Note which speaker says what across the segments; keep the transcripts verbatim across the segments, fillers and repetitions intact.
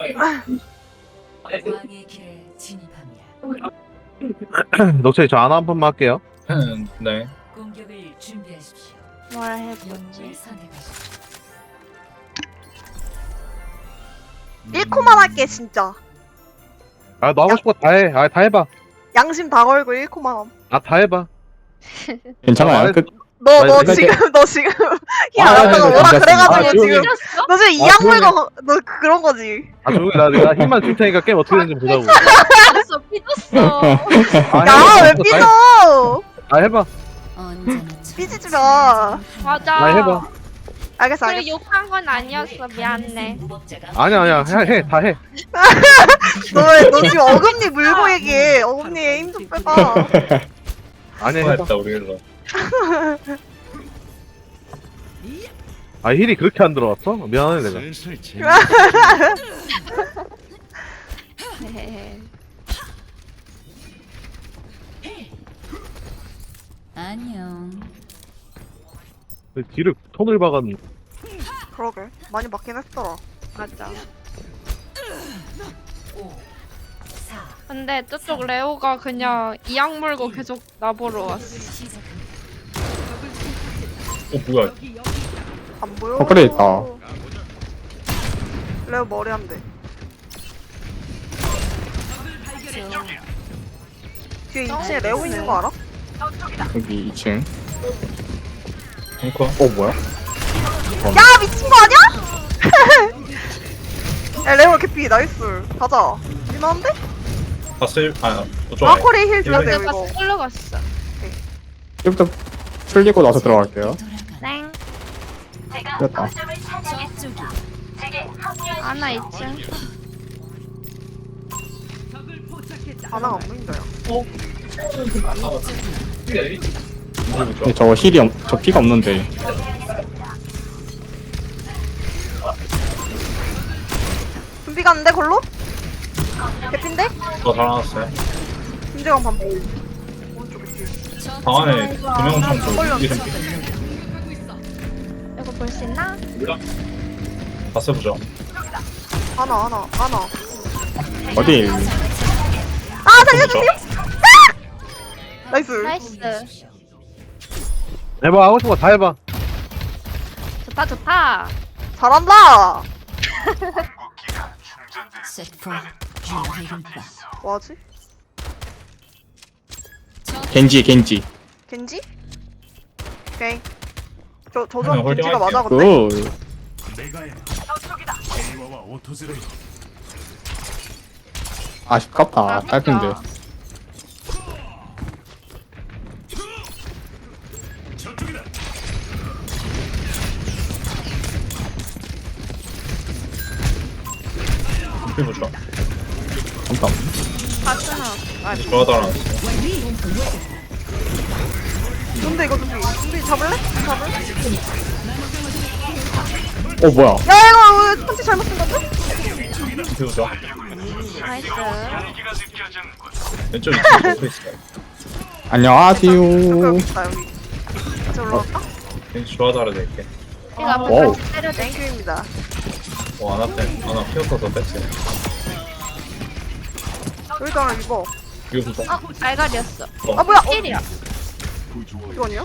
Speaker 1: 왕의 길에 진입합니다.
Speaker 2: 녹차이 저 하나 한 번만 할게요.
Speaker 3: 네.
Speaker 1: 공격을 준비하십시오.
Speaker 4: 뭘
Speaker 1: 영웅을
Speaker 4: 해보지?
Speaker 1: 선택하십시오.
Speaker 4: 일 코만 할게 진짜.
Speaker 2: 아 너 하고 싶은 거 다 해. 아 다 해봐.
Speaker 4: 양심 다 걸고 일 코만 함.
Speaker 2: 아 다 해봐.
Speaker 5: 괜찮아요.
Speaker 2: 아,
Speaker 5: 그,
Speaker 4: 너, 너
Speaker 2: 나
Speaker 4: 지금, 너 지금, 힐
Speaker 5: 아,
Speaker 4: 안
Speaker 5: 아,
Speaker 4: 했다가
Speaker 5: 아,
Speaker 4: 뭐라
Speaker 5: 괜찮습니다.
Speaker 4: 그래가지고
Speaker 2: 아,
Speaker 4: 지금.
Speaker 2: 조용히
Speaker 4: 너 지금
Speaker 2: 아,
Speaker 4: 이악
Speaker 2: 조용히
Speaker 4: 물고, 너 그런 거지.
Speaker 2: 아 조용히 나 내가 힘만 줄 테니까 게임 어떻게 되는지 보자고.
Speaker 6: 알았어, 삐졌어.
Speaker 2: 아,
Speaker 4: 야,
Speaker 2: 해봐.
Speaker 4: 왜
Speaker 2: 다
Speaker 4: 삐져!
Speaker 2: 해- 아 해봐.
Speaker 1: 언제나
Speaker 4: 삐지지 마.
Speaker 6: 맞아.
Speaker 2: 아 해봐.
Speaker 4: 알겠어,
Speaker 6: 그래,
Speaker 4: 알겠어.
Speaker 6: 욕한 건 아니었어. 미안해.
Speaker 1: 무법자가
Speaker 2: 아니야 아니야 해 해 다 해.
Speaker 4: 너, 왜- 너 지금 어금니 물고 얘기해. 어금니에 힘 좀 빼봐.
Speaker 2: 아니야 해봐.
Speaker 3: 수고했다 우리 일로.
Speaker 2: 아 힐이 그렇게 안 들어왔어? 미안해 내가.
Speaker 1: 안녕.
Speaker 2: 뒤를 톤을 박았는.
Speaker 4: 그러게. 많이 맞긴 했더라.
Speaker 6: 맞아.
Speaker 1: 오, 사,
Speaker 6: 근데 저쪽 레오가 그냥 이악 물고 계속 나보러 왔어.
Speaker 1: 시작합니다.
Speaker 3: 어 뭐야?
Speaker 4: 안 보여?
Speaker 5: 어, 그래, 있다.
Speaker 4: 레오 머리 한 대. 뒤에 이 층에 레오 있는 거 알아?
Speaker 5: 여기 이 층.
Speaker 3: 앵커.
Speaker 5: 어, 뭐야?
Speaker 4: 야, 미친 거 아니야? 야, 레오 개피, 나이스. 가자. 미안한데?
Speaker 3: 봤을 아 어쩌.
Speaker 4: 아코리 힐 줘야 돼요,
Speaker 6: 내가
Speaker 4: 이거.
Speaker 6: 끌러 갔어.
Speaker 5: 이제부터 풀리고 나서 들어갈게요.
Speaker 6: 땡.
Speaker 5: 됐다.
Speaker 1: 저쪽이
Speaker 6: 아나 이 층.
Speaker 4: 하나가 안 보인다, 야.
Speaker 5: 근데 저 힐이, 없, 저 피가 없는데.
Speaker 4: 준비 갔는데, 걸로? 개핀데?
Speaker 3: 더 달아놨어요.
Speaker 4: 김재광 반복. 오른쪽에 뒤에.
Speaker 3: 방 안에 두명 정도
Speaker 4: 걸렸네.
Speaker 3: 이름
Speaker 6: 이거 볼 수 있나?
Speaker 3: 봤어 보죠.
Speaker 4: 하나, 하나, 하나.
Speaker 5: 어디?
Speaker 4: 아, 살려주세요! 아! 나이스.
Speaker 6: 나이스.
Speaker 2: 해봐 하고 싶은 거 다 해봐.
Speaker 6: 좋다, 좋다.
Speaker 4: 잘한다!
Speaker 1: set for 주의금파.
Speaker 4: 뭐하지?
Speaker 5: 겐지, 겐지.
Speaker 4: 겐지? 오케이. 저, 저,
Speaker 3: 그냥
Speaker 4: 저 겐지가
Speaker 3: 홀딩할게요.
Speaker 4: 맞아, 근데?
Speaker 5: 굿. 아쉽깝다. 짧은데.
Speaker 3: 이름 보죠.
Speaker 5: 잠깐.
Speaker 6: 바스나.
Speaker 3: 좋아 달아놨어.
Speaker 4: 근데 이거 준비. 준비 잡을래? 잡을래?
Speaker 5: 어, 뭐야?
Speaker 4: 야, 이거 왜 펀치 잘못 쓴 건데?
Speaker 3: 이름 보죠.
Speaker 6: 나이스.
Speaker 3: 왼쪽 이쪽에 놓고 있어요.
Speaker 5: 안녕하세요.
Speaker 4: 여기 있다, 여기. 같이 올라갈까?
Speaker 3: 왠지 좋아 달아낼게.
Speaker 6: 이거 앞에
Speaker 5: 와우.
Speaker 6: 같이 때려대.
Speaker 4: 땡큐입니다.
Speaker 3: 어 안아 빼. 안아 피어터서 뺐지.
Speaker 4: 여기도 하나 입어.
Speaker 3: 이거 보죠.
Speaker 6: 어, 알갈이었어.
Speaker 4: 아, 뭐야?
Speaker 6: 힐이야.
Speaker 4: 이거 아니야?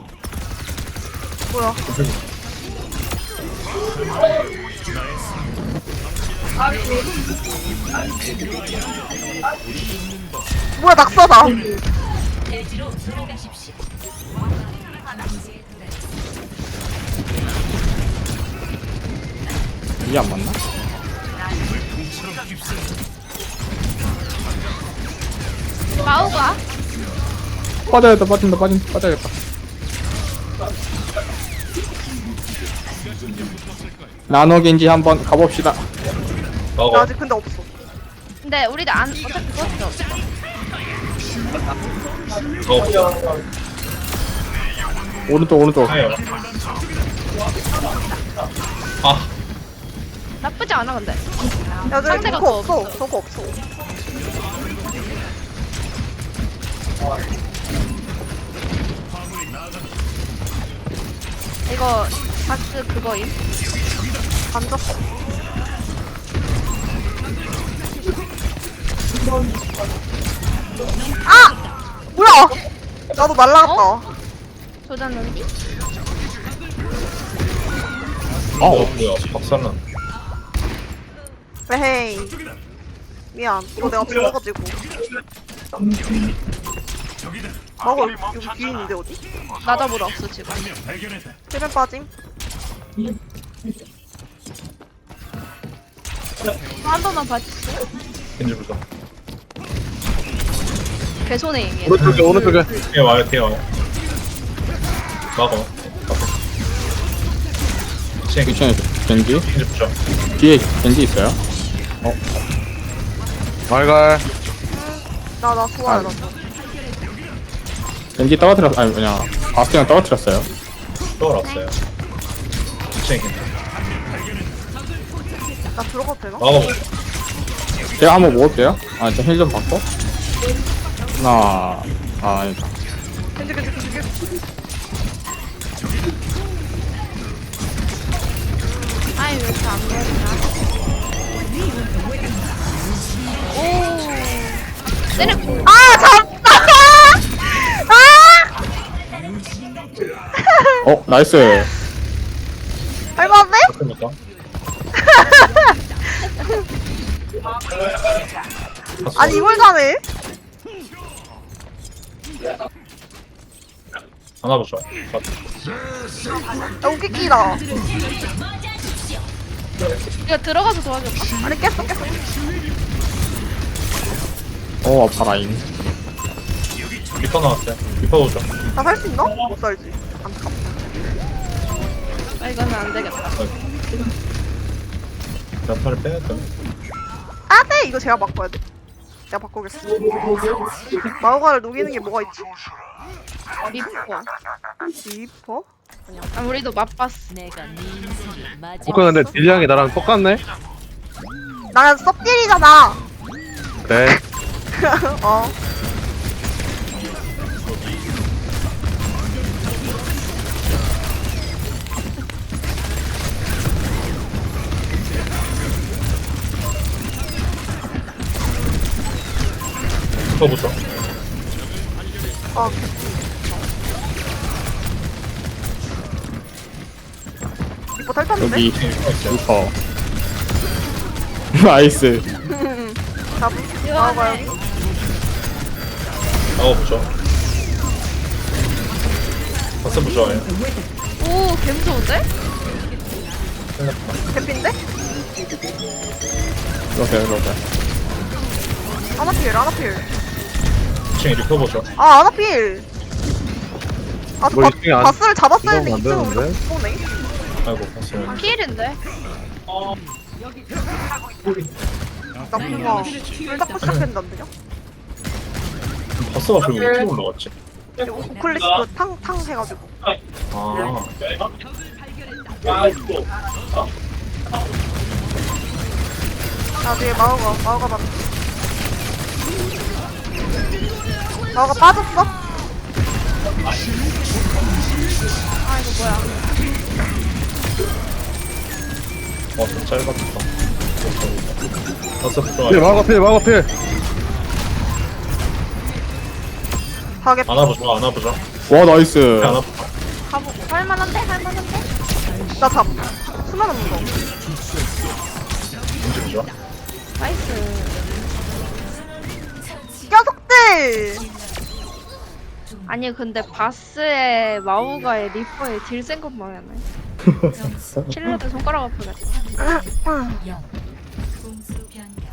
Speaker 4: 뭐야? 뭐야, 낙서다.
Speaker 1: 대지로 돌아가십시오.
Speaker 5: 이게 안 맞나?
Speaker 6: 마우가.
Speaker 5: 빠져야겠다, 빠진다, 빠진다, 빠져야겠다. 나노 겐지 한번 가봅시다.
Speaker 4: 나
Speaker 3: 나가.
Speaker 4: 아직 근데 없어.
Speaker 6: 근데 우리도 안, 어차피 그것도 없어.
Speaker 3: 나가.
Speaker 5: 오른쪽, 오른쪽.
Speaker 3: 해요. 아
Speaker 6: 나쁘지 않아, 근데.
Speaker 4: 야, 저기
Speaker 6: 상대가
Speaker 4: 저거
Speaker 6: 더
Speaker 4: 없어. 저거 없어.
Speaker 6: 이거, 바스 그거임.
Speaker 4: 앉았어. 아! 뭐야! 나도 날라갔다.
Speaker 6: 조졌는디?
Speaker 3: 어
Speaker 5: 어,
Speaker 3: 뭐야 박살난.
Speaker 4: 왜헤이. 미안. 이거 내가 죽어가지고. 먹어. 여기 뒤에 있는데 어디?
Speaker 6: 나 잡으러 없어 지금.
Speaker 4: 힐벤 빠짐.
Speaker 6: 한 번만 봐주세요.
Speaker 3: 겐지 보자.
Speaker 6: 개손해 이게.
Speaker 2: 오른쪽에 오른쪽에.
Speaker 3: 뒤에 와요 뒤에 와요. 막어. 겐지
Speaker 5: 이층에 겐지
Speaker 3: 겐지 보자.
Speaker 5: 뒤에 겐지 있어요.
Speaker 2: 말갈.
Speaker 4: 나, 나 좋아요, 나.
Speaker 5: 겐지 떨어뜨렸 아니 그냥 바스티랑 떨어뜨렸어요.
Speaker 3: 또 왔어요. 겐지 겐지.
Speaker 4: 나 들어가도 되나?
Speaker 3: 막어.
Speaker 5: 제가 한번 먹을게요. 아, 저 힐 좀 받고. 하나, 아, 아니다.
Speaker 4: 겐지, 겐지, 겐지, 겐지.
Speaker 6: 아이 왜 이렇게 안 보이나? 오. 때려.
Speaker 4: 아, 잡다! 아!
Speaker 5: 어, 나이스.
Speaker 4: 할만한데?
Speaker 3: 맞습니까?
Speaker 4: 아니, 이걸 가네?
Speaker 3: 하나 보자.
Speaker 4: 야, 웃기끼다.
Speaker 6: 이거 들어가서 도와줄까?
Speaker 4: 아니, 깼어, 깼어.
Speaker 5: 어, 아파라잉.
Speaker 3: 리퍼 나왔어요. 리퍼 보자.
Speaker 4: 나 살 수 있나? 못 살지. 안타깝다.
Speaker 6: 아 이거는 안 되겠다.
Speaker 3: 나팔을 빼야 돼.
Speaker 4: 아, 네! 이거 제가 바꿔야 돼. 내가 바꾸겠어. 마우가를 녹이는 게 뭐가 있지?
Speaker 6: 리퍼.
Speaker 4: 리퍼?
Speaker 6: 아 우리도 맛봤어.
Speaker 1: 내가 네 인생의 마지막
Speaker 2: 오까 근데 딜량이 나랑 똑같네.
Speaker 4: 난 썹딜이잖아.
Speaker 2: 그래.
Speaker 4: 어.
Speaker 3: 리퍼 보자.
Speaker 4: 어. 리퍼 탈탔는데?
Speaker 5: 여기,
Speaker 3: 리퍼 있어요.
Speaker 5: 리퍼. 나이스.
Speaker 4: 잡음. 마우가 여기.
Speaker 3: 막어 보자. 박스 보자예요.
Speaker 6: 오 개무서운데?
Speaker 4: 개핀데?
Speaker 5: 이렇게, 이렇게.
Speaker 4: 아나필, 아나필.
Speaker 3: 이 층에 리퍼 보자.
Speaker 4: 아, 아나필. 아, 저
Speaker 2: 뭐
Speaker 4: 바,
Speaker 2: 이층에 안-
Speaker 4: 바스를 잡았어야 했는데
Speaker 2: 이러면 안
Speaker 4: 이층은 우리가
Speaker 2: 되는데?
Speaker 4: 못 보네.
Speaker 3: 아이고 박스.
Speaker 6: 피일인데?
Speaker 4: 나 뭔가 불 잡고 시작했는데 안 되냐?
Speaker 3: 박스가 그리고 어떻게 올라갔지?
Speaker 4: 이거 우클릭 그탕탕 해가지고.
Speaker 3: 아.
Speaker 4: 나 뒤에 마우가, 마우가 맞 마우가 빠졌어?
Speaker 6: 아 이거 뭐야?
Speaker 3: 어, 좀 짧았다. 박스
Speaker 2: 필
Speaker 3: 보자.
Speaker 2: 막아 필 막아 필.
Speaker 4: 가게
Speaker 3: 안아보자. 안아보자.
Speaker 5: 와, 나이스.
Speaker 3: 안아보자.
Speaker 6: 가보. 할만한데? 할만한데?
Speaker 4: 나 잡. 수면 없는 거.
Speaker 3: 겐지 보자.
Speaker 6: 나이스.
Speaker 4: 녀석들!
Speaker 6: 아니 근데 바스의 마우가의 리퍼의 딜 센 것만 하네. 킬러들 손가락 아프겠다.
Speaker 1: 영 공수 변경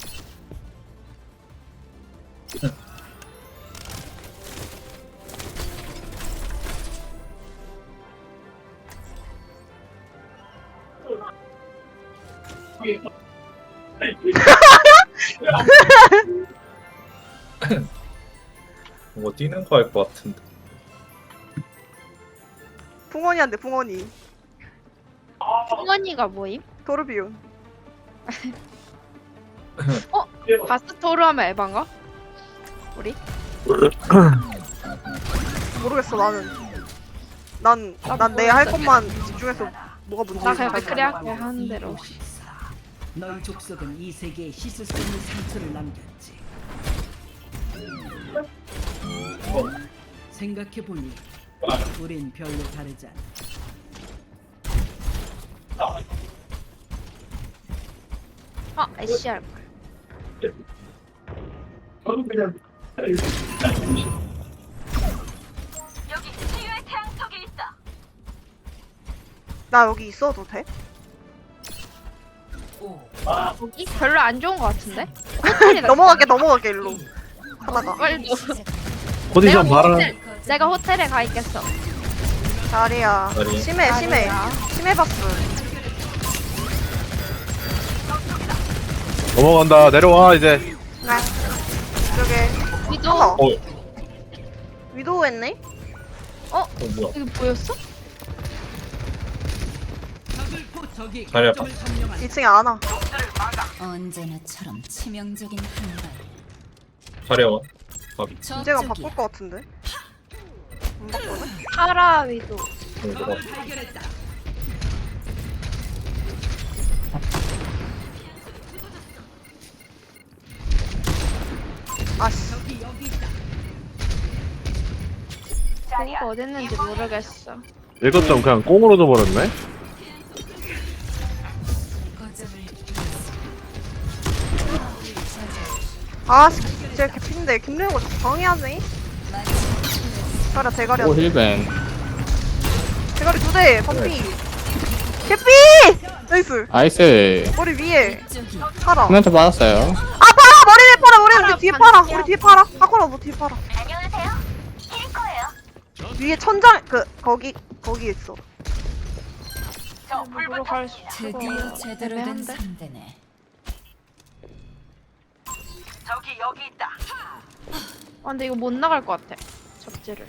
Speaker 3: 뭔가 뛰는 거 할 것 같은데.
Speaker 4: 붕어니한테 붕어니.
Speaker 6: 승원이가 뭐임?
Speaker 4: 도르비온.
Speaker 6: 어? 바스 토르 하면 에반가? 우리?
Speaker 4: 모르겠어 나는. 난 난 내 할 것만 집중해서 뭐가 문제인지
Speaker 6: 나 그냥
Speaker 4: 잘
Speaker 6: 맥크리
Speaker 4: 몰라.
Speaker 6: 할게 하는 대로.
Speaker 7: 너희 족속은 이 세계에 씻을 수 없는 상처를 남겼지. 생각해보니 우린 별로 다르지 않아.
Speaker 6: 아, 에시알.
Speaker 4: 나 여기 있어도 돼?
Speaker 6: 여기 별로 안 좋은 것 같은데?
Speaker 4: 넘어갈게 넘어갈게 일로. 하나가.
Speaker 6: 빨리 너.
Speaker 2: 포지션 봐라.
Speaker 6: 호텔, 내가 호텔에 가 있겠어.
Speaker 4: 자리야.
Speaker 3: 자리.
Speaker 4: 심해 심해.
Speaker 6: 자리야.
Speaker 4: 심해 봤어.
Speaker 2: 넘어간다. 내려와 이제.
Speaker 4: 네. 이쪽에
Speaker 6: 위도.
Speaker 4: 하나.
Speaker 3: 어, 어
Speaker 4: 위도우 했네?
Speaker 3: 뭐야?
Speaker 6: 이거 보였어?
Speaker 7: 저기
Speaker 3: 자리 아파.
Speaker 7: 거점을 점령한
Speaker 4: 이 층에 안 와.
Speaker 1: 언제나처럼 치명적인 한발.
Speaker 3: 자리야. 가비.
Speaker 4: 문제가 바꿀 것 같은데. 안 바꾸네?
Speaker 6: 파라 위도.
Speaker 3: 어, 뭐가?
Speaker 7: 발견했다.
Speaker 4: 아씨.
Speaker 7: 저기 여기 있다.
Speaker 6: 이거 어딨는지 모르겠어.
Speaker 2: 이것 좀 그냥 꽁으로 줘버렸네.
Speaker 4: 아씨. 쟤 개핀데 김래호가 자꾸 방해하네. 자리야 대가리
Speaker 5: 오
Speaker 4: 안 돼.
Speaker 5: 힐벤.
Speaker 4: 대가리 두 대. 반피. 개피! 나이스.
Speaker 5: 나이스.
Speaker 4: 머리 위에. 팔아.
Speaker 5: 코멘트 받았어요.
Speaker 4: 아 팔아! 머리 위에 팔아! 머리 우리 뒤에 팔아! 우리 뒤에 팔아! 하코라 너 뒤에 팔아. 위에 천장 그 거기 거기 있어.
Speaker 6: 물로 갈 수.
Speaker 1: 드디어 제대로 된
Speaker 6: 애매한데?
Speaker 1: 상대네.
Speaker 6: 아, 근데 이거 못 나갈 것 같아. 접지를.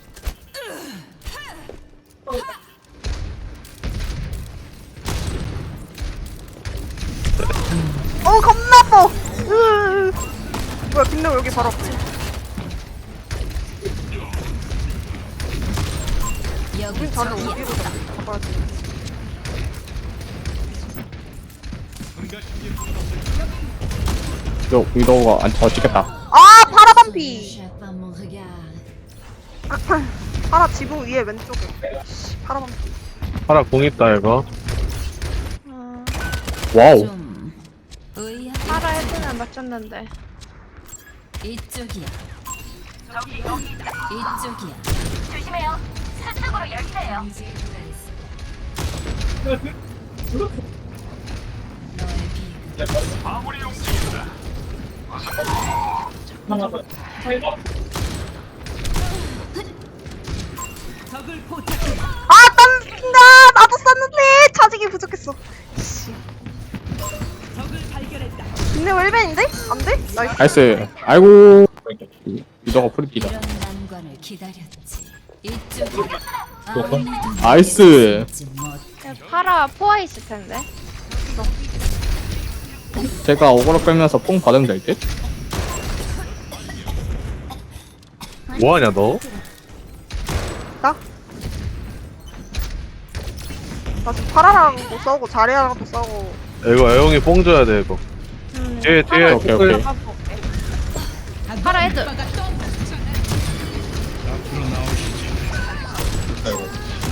Speaker 4: 어우 겁나 뻐. 으으으. 뭐야 김래호 여기 바로 앞에.
Speaker 1: 여기
Speaker 4: 저는
Speaker 1: 저기야.
Speaker 4: 어디로 가봐야지.
Speaker 5: 요 위도우가 안 터지겠다.
Speaker 4: 아 파라 반피.
Speaker 1: Jette pas mon regard.
Speaker 4: 파라 지붕 위에 왼쪽에. 씨, 파라 반피.
Speaker 2: 파라 공 있다 이거.
Speaker 6: 음,
Speaker 5: 와우.
Speaker 1: 좀 의아.
Speaker 6: 파라 헤드는 맞췄는데.
Speaker 1: 이쪽이야. 이쪽이야.
Speaker 7: 적을 포착해.
Speaker 4: 아 딴다. 나도 쐈는데 차지기 부족했어. 씨.
Speaker 7: 적을 발견했다.
Speaker 4: 김래호 일벤인데? 안 돼? 나이스.
Speaker 5: 나이스. 아이고. 위도우가 프리피다.
Speaker 1: 이런 난관을 기다렸지. 이쪽이야.
Speaker 3: 그럴까?
Speaker 5: 나이스.
Speaker 6: 파라 포화 있을 텐데.
Speaker 5: 제가 오버로 빼면서 뽕 받으면 될 듯?
Speaker 2: 뭐하냐 너?
Speaker 4: 나? 나 지금 파라랑도 싸우고 자리아랑도 싸우고.
Speaker 2: 이거 애용이 뽕 줘야 돼 이거.
Speaker 6: 음,
Speaker 2: 뒤에 뒤에.
Speaker 5: 오케이, 오케이.
Speaker 6: 파라 헤드.
Speaker 3: 아이고.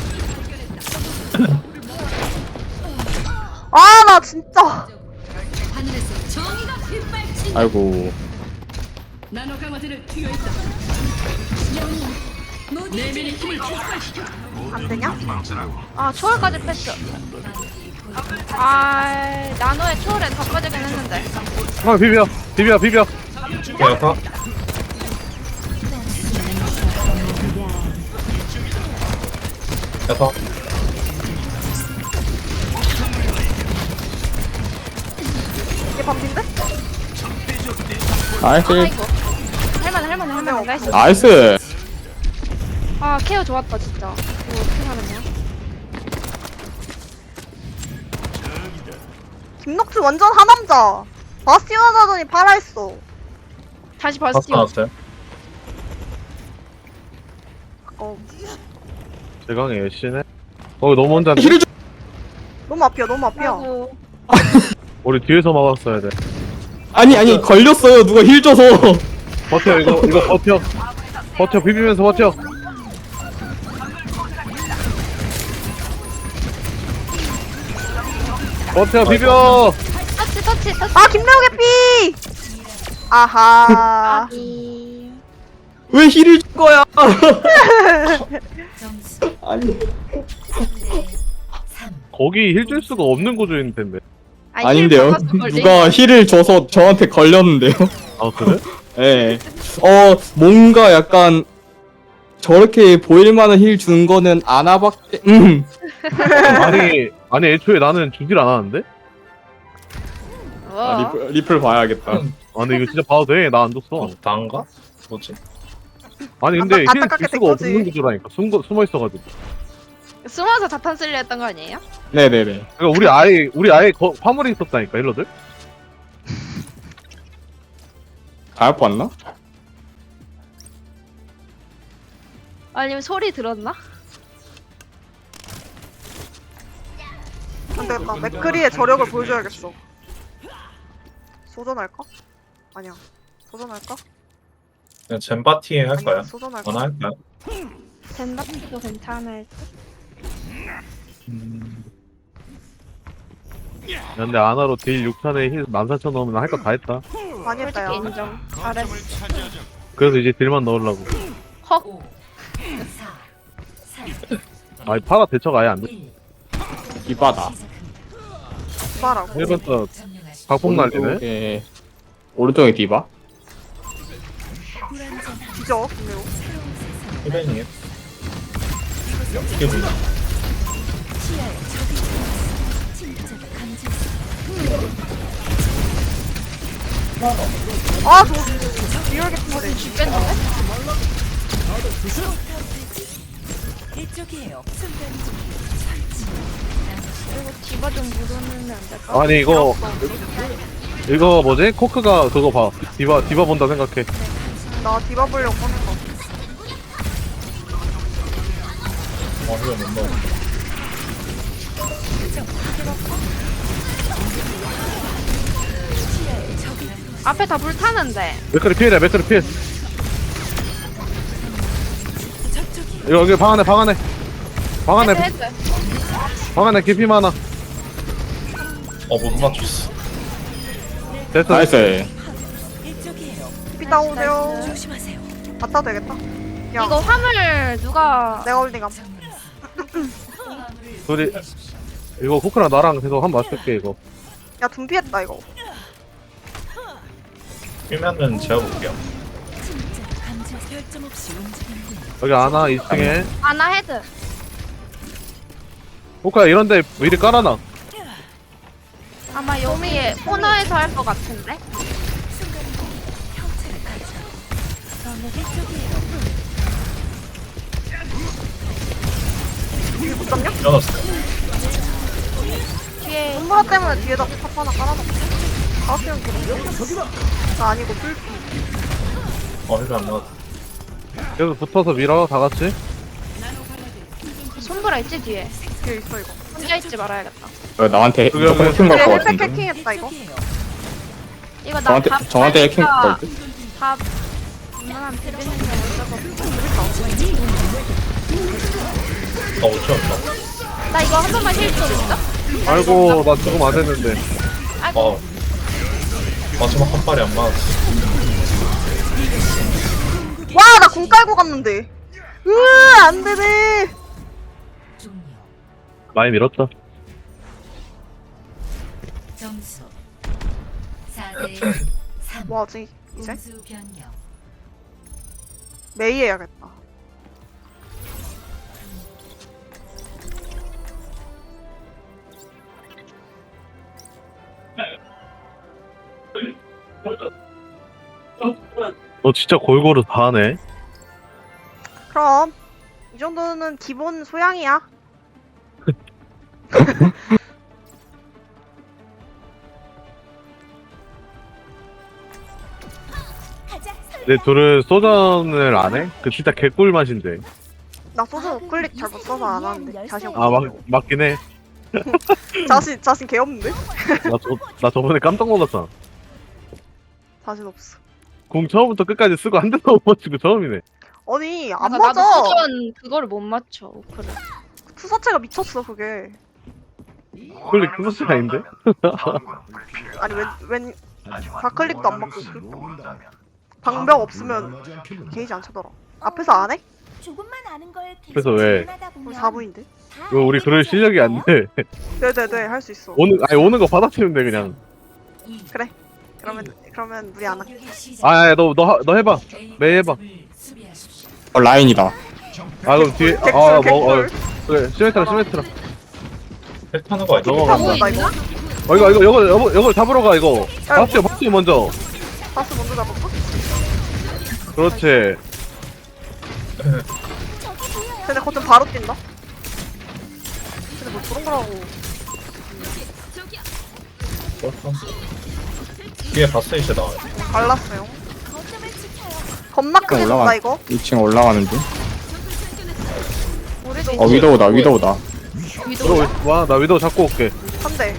Speaker 4: 아 나 진짜.
Speaker 5: 아이고.
Speaker 7: 나노 강화제를 투여했다. 내면의 힘을 폭발시켜.
Speaker 4: 안 되냐?
Speaker 6: 아, 초월까지 뺐어. 아, 나노의 초월에 다 빠지긴 했는데.
Speaker 2: 아 비벼 비벼 비벼.
Speaker 3: 야타. 야타.
Speaker 4: 이게 반피인데?
Speaker 5: 나이스.
Speaker 6: 아이고. 할만해, 할만해, 할만해. 나이스.
Speaker 5: 나이스.
Speaker 6: 아, 케어 좋았다, 진짜. 이거 어떻게 하느냐?
Speaker 4: 김녹주 완전 하남자. 바스티온 하더니 파라 했어.
Speaker 6: 다시
Speaker 3: 파스
Speaker 6: 바스티온.
Speaker 3: 나왔어요?
Speaker 4: 어
Speaker 2: 대강의 애쉬네. 거기 너무 혼자.
Speaker 5: 힐을 줘.
Speaker 4: 너무 앞이야 너무 앞이야.
Speaker 6: 아이고.
Speaker 2: 우리 뒤에서 막았어야 돼.
Speaker 5: 아니 아니 걸렸어요. 누가 힐 줘서.
Speaker 2: 버텨 이거 이거 버텨. 버텨 비비면서 버텨. 버텨 비벼.
Speaker 6: 터치 터치 터치.
Speaker 4: 아 김나우 개피. 아하.
Speaker 6: 아기.
Speaker 5: 왜 힐을 줄 거야?
Speaker 1: 점수
Speaker 5: 아니.
Speaker 1: 삼.
Speaker 2: 거기 힐 줄 수가 없는 구조인 텐데.
Speaker 6: 아니,
Speaker 5: 아닌데요.
Speaker 6: 힐 받아서 걸린
Speaker 5: 누가 힐을 줘서 저한테 걸렸는데요.
Speaker 2: 아 그래?
Speaker 5: 예. 어 뭔가 약간 저렇게 보일 만한 힐 준 거는 아나밖에. 음.
Speaker 2: 아니 아니 애초에 나는 주질 않았는데?
Speaker 6: 거.
Speaker 5: 아, 리플, 리플 봐야겠다.
Speaker 2: 아니 이거 진짜 봐도 돼? 나 안 줬어.
Speaker 3: 난가? 뭐지?
Speaker 2: 아니 근데
Speaker 4: 안타-
Speaker 2: 힐
Speaker 4: 안타깝게
Speaker 2: 줄
Speaker 4: 된
Speaker 2: 수가
Speaker 4: 거지.
Speaker 2: 없는 구조라니까. 숨, 숨어 있어가지고.
Speaker 6: 숨어서 자탄 쓸려 했던 거 아니에요?
Speaker 5: 네네네.
Speaker 2: 그러니까 우리 아예 우리 아예 거, 화물에 있었다니까 힐러들.
Speaker 5: 잘 봤나?
Speaker 6: 아니면 소리 들었나?
Speaker 4: 안되겠다. 맥크리의 저력을 보여줘야겠어. 소전할까? 아니야. 소전할까?
Speaker 3: 그냥 젠바티 할까요?
Speaker 4: 아니야, 소전할까?
Speaker 3: 전화 할까요?
Speaker 6: 젠바티도 괜찮을 듯.
Speaker 2: 야, 근데 아나로 딜 육 탄에 힐 만 사천 넣으면 할 거 다 했다.
Speaker 4: 많이 했다 야.
Speaker 6: 솔직히 인정. 잘했어.
Speaker 2: 그래서 이제 딜만 넣으려고.
Speaker 6: 헉.
Speaker 1: 오. 사. 삼.
Speaker 2: 아니 파라 대처가 아예 안 돼.
Speaker 1: 일.
Speaker 5: 이바다.
Speaker 4: 봐라고.
Speaker 2: 일 번 또
Speaker 1: 점령하십시오.
Speaker 2: 각폭 날리네.
Speaker 5: 오른쪽에 오른쪽에 디바.
Speaker 4: 뒤져. 김나우.
Speaker 3: 후배님. 어떻게 보냐?
Speaker 4: 아 저. 리얼 개피인데.
Speaker 6: 죽겠는데?
Speaker 1: 이쪽이에요.
Speaker 6: 그리고 디바 좀 물어놓으면 안 될까?
Speaker 2: 아니 이거 이거 뭐지? 코크가 그거 봐. 디바 디바 본다 생각해.
Speaker 4: 나 디바 보려고 꺼낸 거.
Speaker 3: 어, 후배 못 넣어.
Speaker 6: 앞에 다 불타는데.
Speaker 2: 맥크리 피해라 맥크리 피해. 이거 여기 방 안에 방 안에 방 안에
Speaker 6: 헤드 헤드.
Speaker 2: 방 안에 깊이 많아.
Speaker 3: 어, 못 맞췄어.
Speaker 2: 됐어.
Speaker 5: 나이스.
Speaker 4: 피 따오세요.
Speaker 1: 조심하세요.
Speaker 4: 갖다 되겠다. 야.
Speaker 6: 이거 화물 누가
Speaker 4: 내가 홀딩함.
Speaker 2: 둘이 이거 코크랑 나랑 계속 한 번 맞출게 이거.
Speaker 4: 야 둠피했다 이거.
Speaker 3: 뛰면은 제가 볼게요.
Speaker 1: 감정 결점 없이 움직이는
Speaker 2: 여기 아나 이 층에.
Speaker 6: 아나 헤드.
Speaker 2: 코크야 이런데 미리 깔아놔.
Speaker 6: 아마 여기에 코너에서 할 것 같은데?
Speaker 4: 이게 못 잡냐?
Speaker 3: 끊었어요.
Speaker 6: 뒤에
Speaker 4: 손보라 때문에 뒤에다 탑 하나 깔아놓고. 가스형 기름. 나 아니고 불.
Speaker 3: 어, 힐안 나왔어.
Speaker 2: 계속 붙어서 밀어 다 같이.
Speaker 6: 손보라 있지 뒤에.
Speaker 4: 뒤에 있어 이거.
Speaker 6: 혼자 있지 말아야겠다.
Speaker 5: 어, 나한테
Speaker 2: 그게 왜-
Speaker 5: 해킹
Speaker 4: 얘
Speaker 5: 갈것
Speaker 4: 헬팩
Speaker 5: 같은데.
Speaker 4: 해킹했다 이거.
Speaker 6: 이거 나
Speaker 5: 저한테
Speaker 6: 밥
Speaker 5: 저한테 해킹
Speaker 6: 하니까
Speaker 5: 갈 듯.
Speaker 6: 밥 이만한 비비는 게 어쩌고.
Speaker 3: 어, 오천 원.
Speaker 6: 나 이거 한 번만 힐좀 있어?
Speaker 2: 아이고 나 지금 안 됐는데.
Speaker 6: 아이고.
Speaker 3: 어. 마지막 한 발이 안 맞았어.
Speaker 4: 와 나 궁 깔고 갔는데. 으아 안 되네.
Speaker 1: 종료.
Speaker 2: 많이 밀었다.
Speaker 1: 점수 사 대 삼.
Speaker 4: 뭐하지 이제?
Speaker 1: 공수 변경.
Speaker 4: 메이 해야겠다.
Speaker 2: 너 진짜 골고루 다 하네.
Speaker 4: 그럼 이 정도는 기본 소양이야.
Speaker 2: 내 둘은 소전을 안 해? 그 진짜 개꿀 맛인데.
Speaker 4: 나 소주 우클릭 잘 못 써서 안 하는데 자신 없어.
Speaker 2: 아 막, 맞긴 해.
Speaker 4: 자신 자신 개 없는데?
Speaker 2: 나, 저, 나 저번에 깜짝 놀랐잖아.
Speaker 4: 자신 없어.
Speaker 2: 공 처음부터 끝까지 쓰고 한 대도 못 맞추고 처음이네.
Speaker 4: 아니 안
Speaker 6: 그러니까 나도
Speaker 4: 맞아.
Speaker 6: 수전 그거를 못 맞춰. 그래.
Speaker 4: 투사체가 미쳤어 그게.
Speaker 2: 클릭 클러스 아닌데?
Speaker 4: 아니 웬웬 좌클릭도 안 맞고 그 방벽 없으면 게이지 안 차더라. 앞에서 안 해?
Speaker 8: 조금만 아는 걸 계속
Speaker 2: 그래서 왜?
Speaker 8: 질문하다 보면
Speaker 4: 우리 사 부인데.
Speaker 8: 다
Speaker 2: 이거 우리
Speaker 8: 알게
Speaker 2: 그럴 실력이 안 돼.
Speaker 4: 네네네 할 수 있어.
Speaker 2: 오는 아니 오는 거 받아치면 돼 그냥.
Speaker 4: 그래. 그러면 그러면 무리 안 할게.
Speaker 2: 아야 너 너 너 해봐. 매일 해봐.
Speaker 5: 어 라인이다.
Speaker 2: 아 그럼 뒤에
Speaker 4: 개꿀
Speaker 2: 아뭐 어,
Speaker 4: 개꿀.
Speaker 2: 그래 시메트라 시메트라.
Speaker 3: 헬 타는 거 아니야?
Speaker 2: 넘어간다.
Speaker 4: 뭐야 이거?
Speaker 2: 어 이거 이거 이거 이거 이거 잡으러 가 이거. 박수 박수 먼저.
Speaker 4: 바스 먼저 잡을까?
Speaker 2: 그렇지.
Speaker 4: 근데 거점 바로 뛴다. 근데 뭐 그런 거라고.
Speaker 3: 뒤에 바스 이제 나와요.
Speaker 4: 갈랐어요.
Speaker 8: 거점을 지켜요.
Speaker 4: 겁나 크게
Speaker 5: 올라가.
Speaker 4: 쏜다 이거.
Speaker 5: 이 층 올라가는 중.
Speaker 4: 우리도
Speaker 5: 어 위도우다 위도우다.
Speaker 2: 위도우 와나 위도우 잡고 올게.
Speaker 4: 한 대.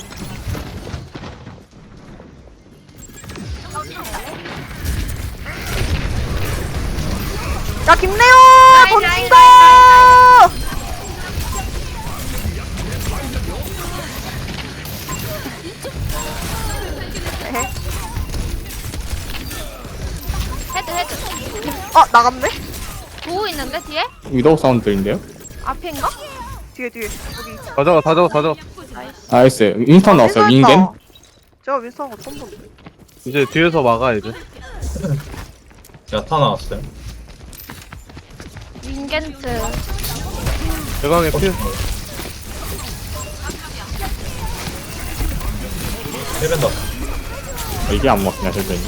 Speaker 4: 야 김래호 던진다. 에헤.
Speaker 6: 헤드 헤드.
Speaker 4: 아 나갔네?
Speaker 6: 보고 있는데 뒤에?
Speaker 5: 위도우 사운드인데요?
Speaker 6: 앞인가?
Speaker 4: 뒤에 뒤에 여기.
Speaker 2: 다 잡아 다 잡아 다 잡아.
Speaker 5: 나이스. 윈스턴 나왔어요. 윈겐.
Speaker 4: 제가 윈스턴 거 처음 본데.
Speaker 2: 이제 뒤에서 막아 이제.
Speaker 3: 야타 나왔어요.
Speaker 6: 윙겐트.
Speaker 2: 대강의 피.
Speaker 3: 힐벤 다
Speaker 5: 어, 이게 안 먹히냐 선생님.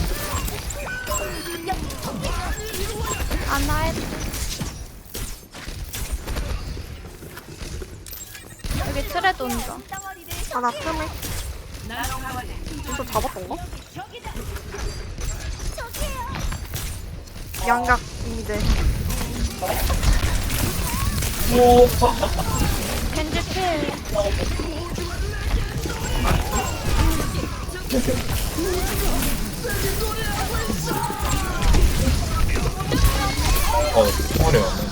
Speaker 6: 아나 헤드. 여기 트레 돈다.
Speaker 4: 하나 틈에. 윈스턴 잡았던가? 양각 이제.
Speaker 6: 겐지 필.
Speaker 3: 어, 총알이 왔네.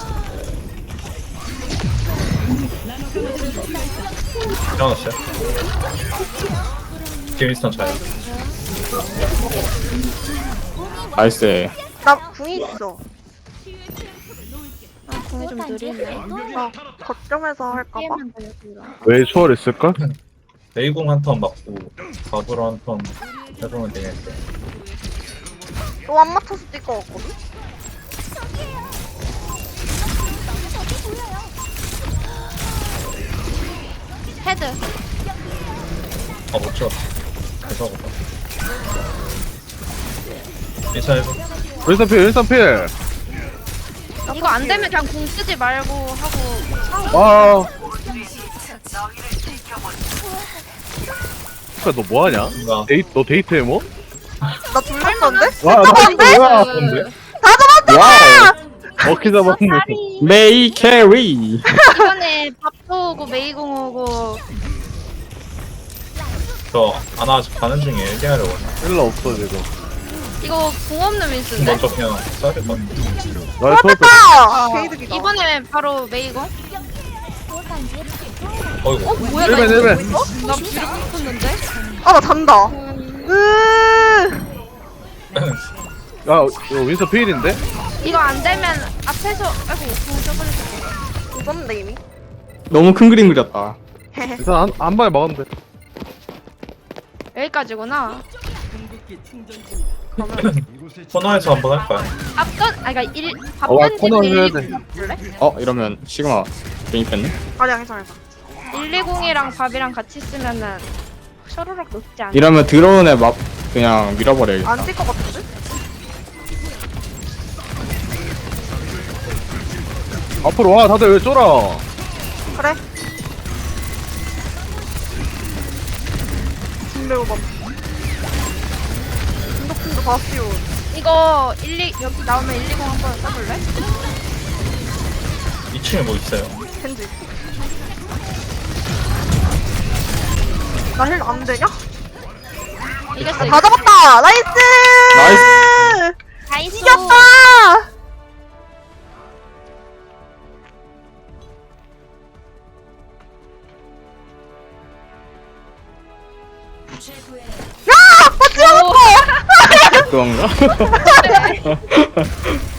Speaker 3: 일어났어요? 뒤에 윈스턴 자요.
Speaker 5: 나이스.
Speaker 4: 나 궁이 있어.
Speaker 6: 아 공이 좀 느리네.
Speaker 4: 아 거점에서 할까봐.
Speaker 6: 게임만 더 여기로.
Speaker 2: 왜 초월했을까?
Speaker 3: 레이공 한 턴 맞고 밥으로 한 턴 해보면 되겠는데.
Speaker 4: 또 안 맞춰서 뛸 것 같거든?
Speaker 6: 헤드.
Speaker 3: 아, 못 찍었어. 그래서 보다. 인사 해보.
Speaker 2: 윈스턴 필 윈스턴 필.
Speaker 6: 이거 안 되면 그냥 공 쓰지 말고 하고.
Speaker 2: 아. 그니까 너 뭐하냐?
Speaker 3: 뭔가
Speaker 2: 데이 너 데이트해 뭐?
Speaker 4: 나 둘렸었는데?
Speaker 2: 와, 나
Speaker 4: 잡았는데?
Speaker 2: 뭐야?
Speaker 3: 뭔데?
Speaker 5: 와우.
Speaker 2: 어깨 잡았네.
Speaker 6: 살이.
Speaker 5: 메이 캐리.
Speaker 6: 이번에 밥도 오고 메이공 오고.
Speaker 3: 저 아나 아직 가는 중에 얘기하려고 하네.
Speaker 2: 일러 없어 지금.
Speaker 6: 이거 공 없는 윈스인데?
Speaker 3: 먼저 그냥 써야 될 것 같아.
Speaker 2: 나 초월 뺐.
Speaker 4: 아! 게이득이다.
Speaker 6: 이번에 바로 메이공?
Speaker 3: 어이구.
Speaker 6: 어 뭐야 나
Speaker 2: 일벤
Speaker 6: 이거
Speaker 2: 일벤.
Speaker 6: 나 뒤로 붙었는데?
Speaker 4: 아, 나 잔다.
Speaker 6: 음,
Speaker 4: 으
Speaker 2: 야 이거 윈스턴 필인데?
Speaker 6: 이거 안 되면 앞에서 아이고 공 써버렸어.
Speaker 4: 웃었는데, 이미.
Speaker 5: 너무 큰 그림 그렸다.
Speaker 4: 헤헤.
Speaker 2: 일단 한, 한 방에 막으면 돼.
Speaker 6: 여기까지구나.
Speaker 7: 궁극기 충전 중이다.
Speaker 3: 코너에서 한번 할까요?
Speaker 6: 앞전 아 그러니까 일
Speaker 2: 어, 와,
Speaker 6: 밥전지
Speaker 2: 코너 해야
Speaker 6: 일
Speaker 2: 돼.
Speaker 6: 볼래?
Speaker 5: 어 이러면 시그마 괜히 뺐네.
Speaker 4: 아니야, 괜찮아, 괜찮아.
Speaker 6: 일이공이랑 밥이랑 같이 쓰면은 셔로락 높지 않아.
Speaker 5: 이러면 드론에 막 그냥 밀어버려야겠다.
Speaker 4: 안 뛸 것 같은데?
Speaker 2: 앞으로 와 다들 왜 쫄아?
Speaker 4: 그래. 김래우 봐. 중독팀도 바스티온.
Speaker 6: 이거 일이 여기 나오면 일이공 한번 써볼래?
Speaker 3: 이 층에 뭐 있어요?
Speaker 4: 겐지. 나 힐 안 되냐?
Speaker 6: 이겼어.
Speaker 4: 다 잡았다! 나이스!
Speaker 5: 나이스.
Speaker 6: 나이스.
Speaker 4: 이겼다!
Speaker 1: 최고의
Speaker 5: 그런가?